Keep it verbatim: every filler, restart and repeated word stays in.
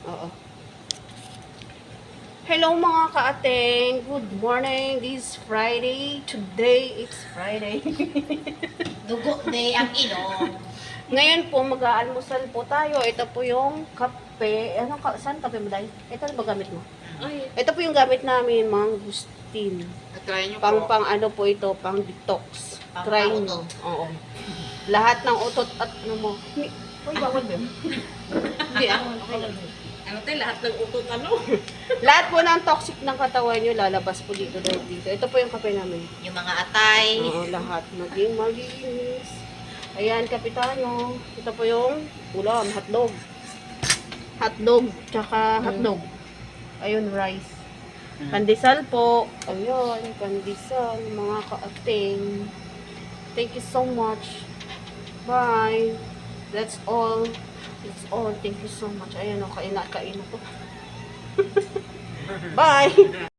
Oo. Hello mga ka-ateng. Good morning. This is Friday. Today, it's Friday. Dugo day ang ilong. Ngayon po, mag-aalmusal po tayo. Ito po yung kape. Ano, ka saan kape mo dahil? Ito ba gamit mo? Ay, Ito po yung gamit namin, mangustin. try nyo Pang po. pang ano po ito, pang detox. Pang Try pautot. nyo. Oo. Lahat ng utot at ano mo. Ni- Uy, bawal ba? Hindi ah. Ano tayo, lahat ng utot ano? Lahat po ng toxic ng katawan nyo, lalabas po dito dahil dito. Ito po yung kape namin. Yung mga atay. Oo, lahat. Maging malinis. Ayan, kapitan nyo. Ito po yung ulam, hotdog. Hotdog, tsaka hotdog. Ayun, rice. Pandesal po. Ayun, pandesal, mga kaating. Thank you so much. Bye. That's all. That's all. Thank you so much. Ayan, o, kain na, kain na to. Bye.